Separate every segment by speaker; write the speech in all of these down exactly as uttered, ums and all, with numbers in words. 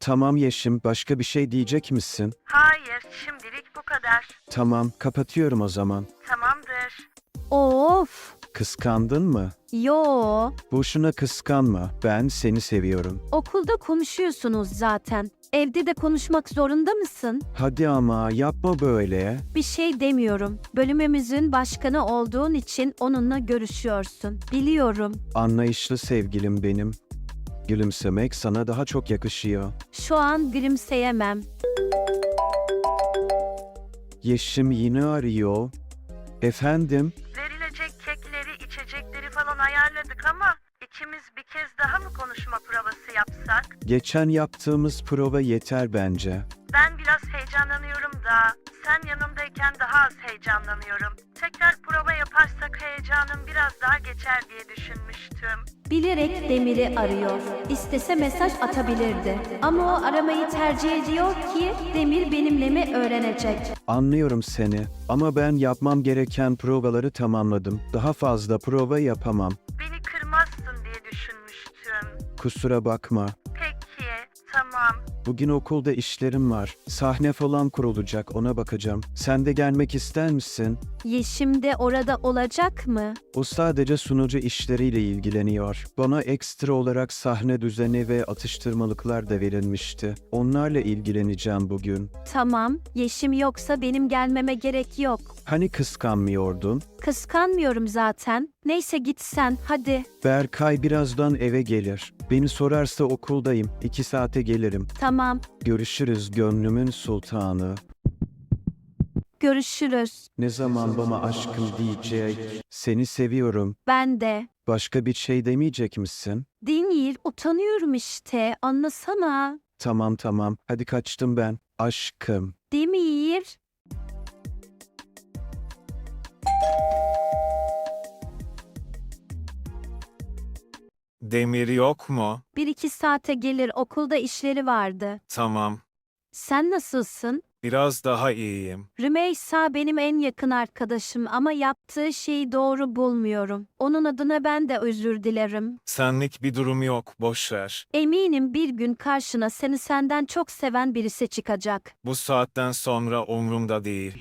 Speaker 1: Tamam Yeşim, başka bir şey diyecek misin?
Speaker 2: Hayır, şimdilik bu kadar.
Speaker 1: Tamam, kapatıyorum o zaman.
Speaker 2: Tamamdır.
Speaker 3: Of.
Speaker 1: Kıskandın mı?
Speaker 3: Yo.
Speaker 1: Boşuna kıskanma, ben seni seviyorum.
Speaker 3: Okulda konuşuyorsunuz zaten. Evde de konuşmak zorunda mısın?
Speaker 1: Hadi ama yapma böyle.
Speaker 3: Bir şey demiyorum. Bölümümüzün başkanı olduğun için onunla görüşüyorsun. Biliyorum.
Speaker 1: Anlayışlı sevgilim benim. Gülümsemek sana daha çok yakışıyor.
Speaker 3: Şu an gülümseyemem.
Speaker 1: Yeşim yine arıyor. Efendim?
Speaker 2: Verilecek kekleri, içecekleri falan ayarladık ama ikimiz bir kez daha mı konuşma provası yapsak?
Speaker 1: Geçen yaptığımız prova yeter bence.
Speaker 2: Ben biraz heyecanlanıyorum da sen yanımdayken daha az heyecanlanıyorum. Tekrar prova yaparsak heyecanım biraz daha geçer diye düşünmüştüm.
Speaker 3: Bilerek Demir'i arıyor. İstese mesaj atabilirdi. Ama o aramayı tercih ediyor ki Demir benimle mi öğrenecek?
Speaker 1: Anlıyorum seni ama ben yapmam gereken provaları tamamladım. Daha fazla prova yapamam.
Speaker 2: Beni kırmazsın diye düşünmüştüm.
Speaker 1: Kusura bakma.
Speaker 2: Peki, tamam.
Speaker 1: Bugün okulda işlerim var. Sahne falan kurulacak, ona bakacağım. Sen de gelmek ister misin?
Speaker 3: Yeşim de orada olacak mı?
Speaker 1: O sadece sunucu işleriyle ilgileniyor. Bana ekstra olarak sahne düzeni ve atıştırmalıklar da verilmişti. Onlarla ilgileneceğim bugün.
Speaker 3: Tamam, Yeşim yoksa benim gelmeme gerek yok.
Speaker 1: Hani kıskanmıyordun?
Speaker 3: Kıskanmıyorum zaten. Neyse git sen, hadi.
Speaker 1: Berkay birazdan eve gelir. Beni sorarsa okuldayım. İki saate gelirim.
Speaker 3: Tamam,
Speaker 1: Görüşürüz gönlümün sultanı.
Speaker 3: görüşürüz.
Speaker 1: Ne zaman bana aşkım diyecek? Seni seviyorum.
Speaker 3: Ben de.
Speaker 1: Başka bir şey demeyecek misin?
Speaker 3: Değil, utanıyorum işte. Anlasana.
Speaker 1: Tamam tamam. Hadi kaçtım ben. Aşkım.
Speaker 3: Demir.
Speaker 4: Demir yok mu?
Speaker 3: Bir iki saate gelir, okulda işleri vardı.
Speaker 4: Tamam.
Speaker 3: Sen nasılsın?
Speaker 4: Biraz daha iyiyim.
Speaker 3: Rümeysa benim en yakın arkadaşım ama yaptığı şeyi doğru bulmuyorum. Onun adına ben de özür dilerim.
Speaker 4: Senlik bir durum yok, boş ver.
Speaker 3: Eminim bir gün karşına seni senden çok seven birisi çıkacak.
Speaker 4: Bu saatten sonra umrumda değil.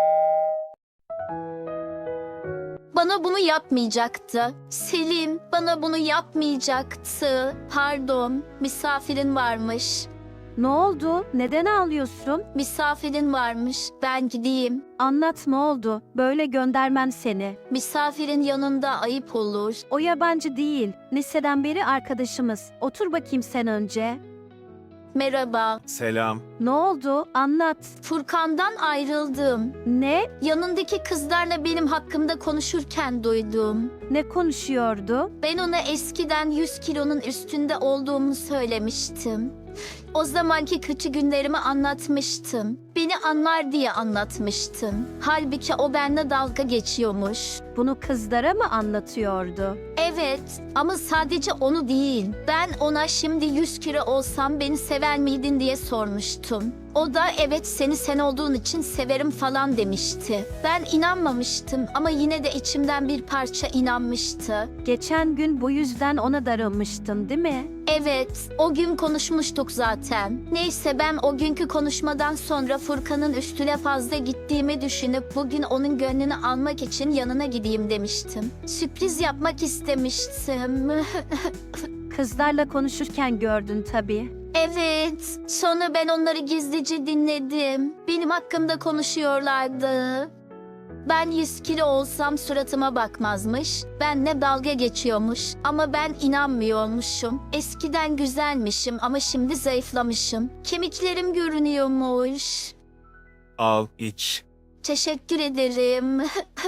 Speaker 5: Bana bunu yapmayacaktı. Selim bana bunu yapmayacaktı. Pardon, misafirin varmış.
Speaker 3: Ne oldu? Neden ağlıyorsun?
Speaker 5: Misafirin varmış. Ben gideyim.
Speaker 3: Anlat ne oldu? Böyle göndermem seni.
Speaker 5: Misafirin yanında ayıp olur.
Speaker 3: O yabancı değil. Liseden beri arkadaşımız. Otur bakayım sen önce.
Speaker 5: Merhaba.
Speaker 4: Selam.
Speaker 3: Ne oldu? Anlat.
Speaker 5: Furkan'dan ayrıldım.
Speaker 3: Ne?
Speaker 5: Yanındaki kızlarla benim hakkımda konuşurken duydum.
Speaker 3: Ne konuşuyordu?
Speaker 5: Ben ona eskiden yüz kilonun üstünde olduğumu söylemiştim. O zamanki kötü günlerimi anlatmıştım. Beni anlar diye anlatmıştım. Halbuki o benimle dalga geçiyormuş.
Speaker 3: Bunu kızlara mı anlatıyordu?
Speaker 5: Evet ama sadece onu değil. Ben ona şimdi yüz kilo olsam beni sever miydin diye sormuştum. O da evet seni sen olduğun için severim falan demişti. Ben inanmamıştım ama yine de içimden bir parça inanmıştı.
Speaker 3: Geçen gün bu yüzden ona darılmıştın, değil mi?
Speaker 5: Evet, o gün konuşmuştuk zaten. Neyse ben o günkü konuşmadan sonra Furkan'ın üstüne fazla gittiğimi düşünüp bugün onun gönlünü almak için yanına gideyim demiştim. Sürpriz yapmak istemiştim.
Speaker 3: Kızlarla konuşurken gördün tabii.
Speaker 5: Evet, sonra ben onları gizlice dinledim. Benim hakkımda konuşuyorlardı. Ben yüz kilo olsam suratıma bakmazmış. Benle dalga geçiyormuş. Ama ben inanmıyormuşum. Eskiden güzelmişim ama şimdi zayıflamışım. Kemiklerim görünüyormuş.
Speaker 4: Al, iç.
Speaker 5: Teşekkür ederim.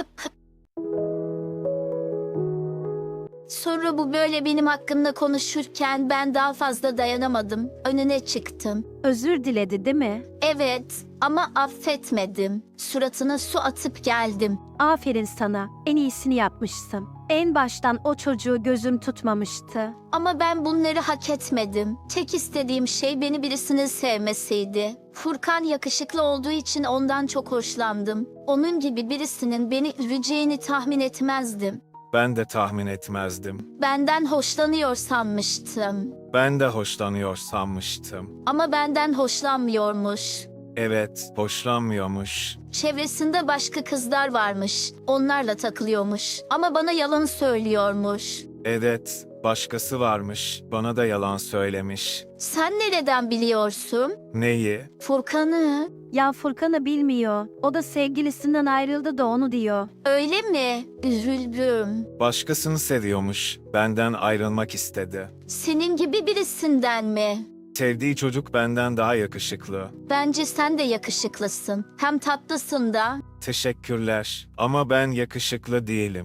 Speaker 5: Sonra bu böyle benim hakkımda konuşurken ben daha fazla dayanamadım. Önüne çıktım.
Speaker 3: Özür diledi, değil mi?
Speaker 5: Evet ama affetmedim. Suratına su atıp geldim.
Speaker 3: Aferin sana. En iyisini yapmışsın. En baştan o çocuğu gözüm tutmamıştı.
Speaker 5: Ama ben bunları hak etmedim. Tek istediğim şey beni birisinin sevmesiydi. Furkan yakışıklı olduğu için ondan çok hoşlandım. Onun gibi birisinin beni üzeceğini tahmin etmezdim.
Speaker 4: Ben de tahmin etmezdim.
Speaker 5: Benden hoşlanıyor sanmıştım.
Speaker 4: Ben de hoşlanıyor sanmıştım.
Speaker 5: Ama benden hoşlanmıyormuş.
Speaker 4: Evet, hoşlanmıyormuş.
Speaker 5: Çevresinde başka kızlar varmış. Onlarla takılıyormuş. Ama bana yalan söylüyormuş.
Speaker 4: Evet, başkası varmış. Bana da yalan söylemiş.
Speaker 5: Sen nereden biliyorsun?
Speaker 4: Neyi?
Speaker 5: Furkan'ı.
Speaker 3: Ya Furkan'ı bilmiyor. O da sevgilisinden ayrıldı da onu diyor.
Speaker 5: Öyle mi? Üzüldüm.
Speaker 4: Başkasını seviyormuş. Benden ayrılmak istedi.
Speaker 5: Senin gibi birisinden mi?
Speaker 4: Sevdiği çocuk benden daha yakışıklı.
Speaker 5: Bence sen de yakışıklısın. Hem tatlısın da.
Speaker 4: Teşekkürler. Ama ben yakışıklı değilim.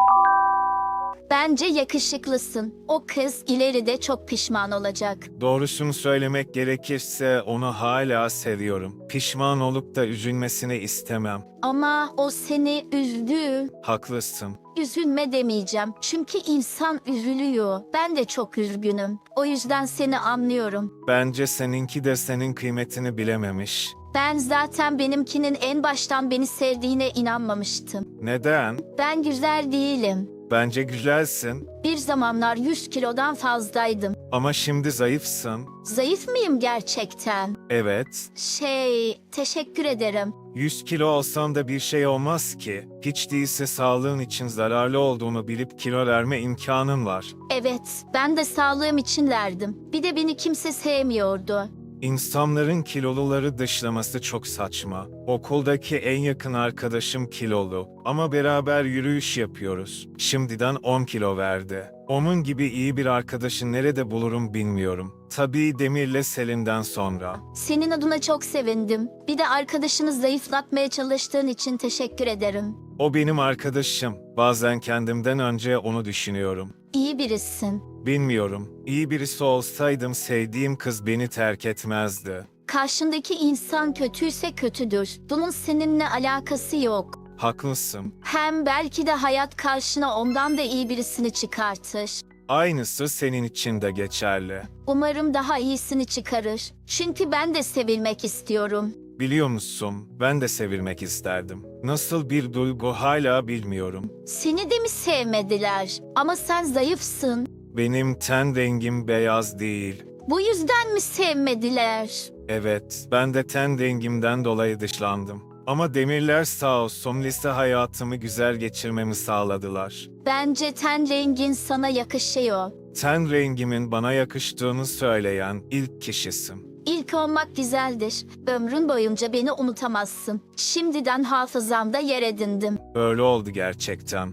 Speaker 5: Bence yakışıklısın. O kız ileride çok pişman olacak.
Speaker 4: Doğrusunu söylemek gerekirse onu hala seviyorum. Pişman olup da üzülmesini istemem.
Speaker 5: Ama o seni üzdü.
Speaker 4: Haklısın.
Speaker 5: Üzülme demeyeceğim. Çünkü insan üzülüyor. Ben de çok üzgünüm. O yüzden seni anlıyorum.
Speaker 4: Bence seninki de senin kıymetini bilememiş.
Speaker 5: Ben zaten benimkinin en baştan beni sevdiğine inanmamıştım.
Speaker 4: Neden?
Speaker 5: Ben güzel değilim.
Speaker 4: Bence güzelsin.
Speaker 5: Bir zamanlar yüz kilodan fazlaydım.
Speaker 4: Ama şimdi zayıfsın.
Speaker 5: Zayıf mıyım gerçekten?
Speaker 4: Evet.
Speaker 5: Şey, teşekkür ederim.
Speaker 4: yüz kilo olsan da bir şey olmaz ki. Hiç değilse sağlığın için zararlı olduğunu bilip kilo verme imkanın var.
Speaker 5: Evet, ben de sağlığım için verdim. Bir de beni kimse sevmiyordu.
Speaker 4: İnsanların kiloluları dışlaması çok saçma. Okuldaki en yakın arkadaşım kilolu ama beraber yürüyüş yapıyoruz. Şimdiden on kilo verdi. Onun gibi iyi bir arkadaşı nerede bulurum bilmiyorum. Tabii Demir'le Selin'den sonra.
Speaker 5: Senin adına çok sevindim. Bir de arkadaşını zayıflatmaya çalıştığın için teşekkür ederim.
Speaker 4: O benim arkadaşım. Bazen kendimden önce onu düşünüyorum.
Speaker 5: İyi birisin.
Speaker 4: Bilmiyorum. İyi birisi olsaydım sevdiğim kız beni terk etmezdi.
Speaker 5: Karşındaki insan kötüyse kötüdür. Bunun seninle alakası yok.
Speaker 4: Haklısın.
Speaker 5: Hem belki de hayat karşına ondan da iyi birisini çıkartır.
Speaker 4: Aynısı senin için de geçerli.
Speaker 5: Umarım daha iyisini çıkarır. Çünkü ben de sevilmek istiyorum.
Speaker 4: Biliyor musun? Ben de sevilmek isterdim. Nasıl bir duygu hala bilmiyorum.
Speaker 5: Seni de mi sevmediler? Ama sen zayıfsın.
Speaker 4: Benim ten rengim beyaz değil.
Speaker 5: Bu yüzden mi sevmediler?
Speaker 4: Evet, ben de ten rengimden dolayı dışlandım. Ama Demirler sağ olsun lise hayatımı güzel geçirmemi sağladılar.
Speaker 5: Bence ten rengin sana yakışıyor.
Speaker 4: Ten rengimin bana yakıştığını söyleyen ilk kişisin.
Speaker 5: İlk olmak güzeldir. Ömrün boyunca beni unutamazsın. Şimdiden hafızamda yer edindim.
Speaker 4: Öyle oldu gerçekten.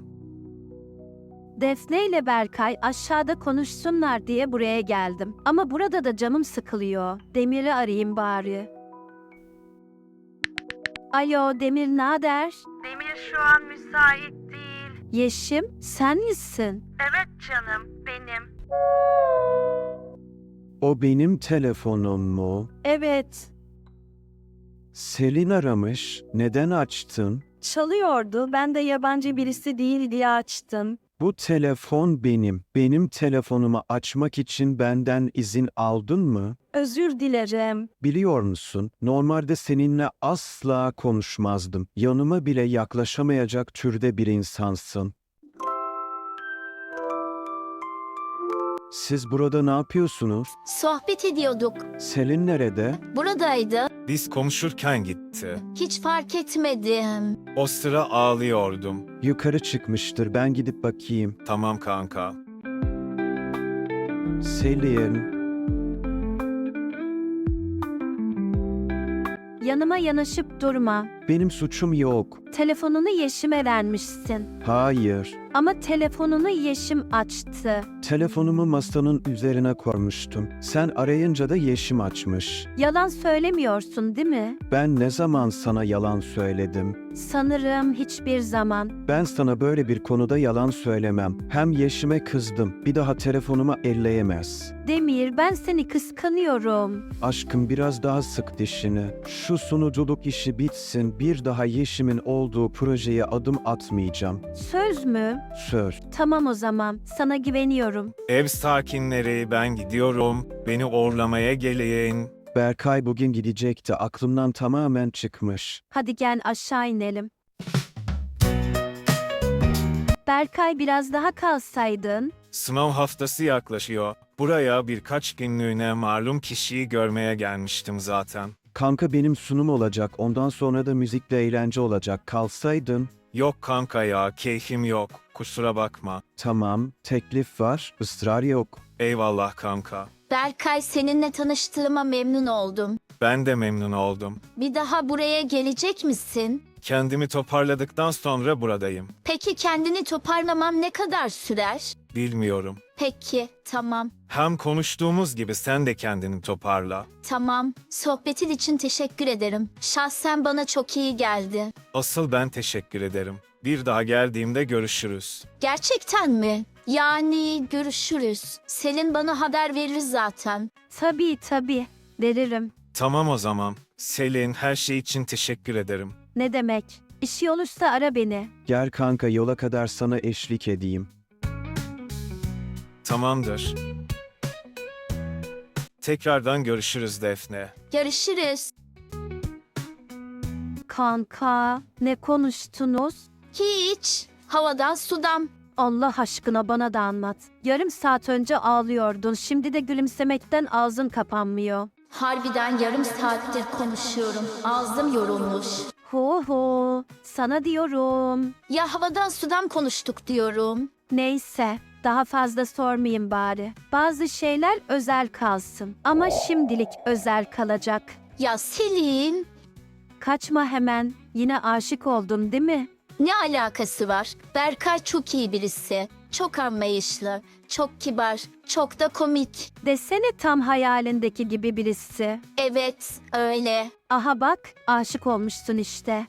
Speaker 3: Defne ile Berkay aşağıda konuşsunlar diye buraya geldim. Ama burada da canım sıkılıyor. Demir'i arayayım bari. Alo Demir, nader?
Speaker 2: Demir şu an müsait değil.
Speaker 3: Yeşim, sen misin?
Speaker 2: Evet canım, benim.
Speaker 1: O benim telefonum mu?
Speaker 3: Evet.
Speaker 1: Selin aramış. Neden açtın?
Speaker 3: Çalıyordu. Ben de yabancı birisi değil diye açtım.
Speaker 1: Bu telefon benim. Benim telefonumu açmak için benden izin aldın mı?
Speaker 3: Özür dilerim.
Speaker 1: Biliyor musun? Normalde seninle asla konuşmazdım. Yanıma bile yaklaşamayacak türde bir insansın. Siz burada ne yapıyorsunuz?
Speaker 5: Sohbet ediyorduk.
Speaker 1: Selin nerede?
Speaker 5: Buradaydı.
Speaker 4: Biz konuşurken gitti.
Speaker 5: Hiç fark etmedim.
Speaker 4: O sıra ağlıyordum.
Speaker 1: Yukarı çıkmıştır. Ben gidip bakayım.
Speaker 4: Tamam kanka.
Speaker 1: Selin.
Speaker 3: Yanıma yanaşıp durma.
Speaker 1: Benim suçum yok.
Speaker 3: Telefonunu Yeşim'e vermişsin.
Speaker 1: Hayır.
Speaker 3: Ama telefonunu Yeşim açtı.
Speaker 1: Telefonumu masanın üzerine koymuştum. Sen arayınca da Yeşim açmış.
Speaker 3: Yalan söylemiyorsun değil mi?
Speaker 1: Ben ne zaman sana yalan söyledim?
Speaker 3: Sanırım hiçbir zaman.
Speaker 1: Ben sana böyle bir konuda yalan söylemem. Hem Yeşim'e kızdım. Bir daha telefonuma elleyemez.
Speaker 3: Demir, ben seni kıskanıyorum.
Speaker 1: Aşkım biraz daha sık dişini. Şu sunuculuk işi bitsin. Bir daha Yeşim'in olduğu projeye adım atmayacağım.
Speaker 3: Söz mü?
Speaker 1: Söz.
Speaker 3: Tamam o zaman. Sana güveniyorum.
Speaker 4: Ev sakinleri ben gidiyorum. Beni uğurlamaya gelin.
Speaker 1: Berkay bugün gidecekti. Aklımdan tamamen çıkmış.
Speaker 3: Hadi gel aşağı inelim. Berkay biraz daha kalsaydın.
Speaker 4: Sınav haftası yaklaşıyor. Buraya birkaç günlüğüne malum kişiyi görmeye gelmiştim zaten.
Speaker 1: Kanka benim sunum olacak. Ondan sonra da müzikle eğlence olacak. Kalsaydın.
Speaker 4: Yok kanka ya, keyfim yok. Kusura bakma.
Speaker 1: Tamam, teklif var, ısrar yok.
Speaker 4: Eyvallah kanka.
Speaker 5: Berkay, seninle tanıştığıma memnun oldum.
Speaker 4: Ben de memnun oldum.
Speaker 5: Bir daha buraya gelecek misin?
Speaker 4: Kendimi toparladıktan sonra buradayım.
Speaker 5: Peki kendini toparlamam ne kadar sürer?
Speaker 4: Bilmiyorum.
Speaker 5: Peki, tamam.
Speaker 4: Hem konuştuğumuz gibi sen de kendini toparla.
Speaker 5: Tamam. Sohbetin için teşekkür ederim. Şahsen bana çok iyi geldi.
Speaker 4: Asıl ben teşekkür ederim. Bir daha geldiğimde görüşürüz.
Speaker 5: Gerçekten mi? Yani görüşürüz. Selin bana haber verir zaten.
Speaker 3: Tabii tabii. Veririm.
Speaker 4: Tamam o zaman. Selin, her şey için teşekkür ederim.
Speaker 3: Ne demek? İşi olursa ara beni.
Speaker 1: Gel kanka yola kadar sana eşlik edeyim.
Speaker 4: Tamamdır. Tekrardan görüşürüz Defne.
Speaker 5: Görüşürüz.
Speaker 3: Kanka, ne konuştunuz?
Speaker 5: Hiç. Havadan sudan.
Speaker 3: Allah aşkına bana da anlat. Yarım saat önce ağlıyordun. Şimdi de gülümsemekten ağzın kapanmıyor.
Speaker 5: Harbiden yarım saattir konuşuyorum. Ağzım yorulmuş.
Speaker 3: Hu hu. Sana diyorum.
Speaker 5: Ya havadan sudan konuştuk diyorum.
Speaker 3: Neyse. Daha fazla sormayayım bari. Bazı şeyler özel kalsın. Ama şimdilik özel kalacak.
Speaker 5: Ya Selin,
Speaker 3: Kaçma hemen. Yine aşık oldun değil mi?
Speaker 5: ne alakası var? Berkay çok iyi birisi. Çok anlayışlı, çok kibar, çok da komik.
Speaker 3: Desene tam hayalindeki gibi birisi.
Speaker 5: Evet, öyle.
Speaker 3: Aha bak, aşık olmuşsun işte.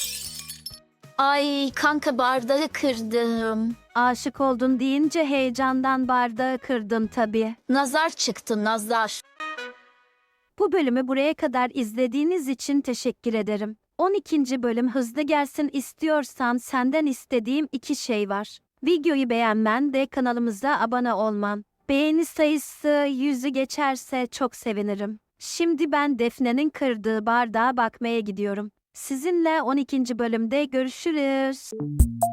Speaker 5: Ay kanka, bardağı kırdım.
Speaker 3: Aşık oldun deyince heyecandan bardağı kırdın tabii.
Speaker 5: Nazar çıktı, nazar.
Speaker 3: Bu bölümü buraya kadar izlediğiniz için teşekkür ederim. on ikinci bölüm hızlı gelsin istiyorsan senden istediğim iki şey var. Videoyu beğenmen ve kanalımıza abone olman. Beğeni sayısı yüzü geçerse çok sevinirim. Şimdi ben Defne'nin kırdığı bardağa bakmaya gidiyorum. Sizinle on ikinci bölümde görüşürüz.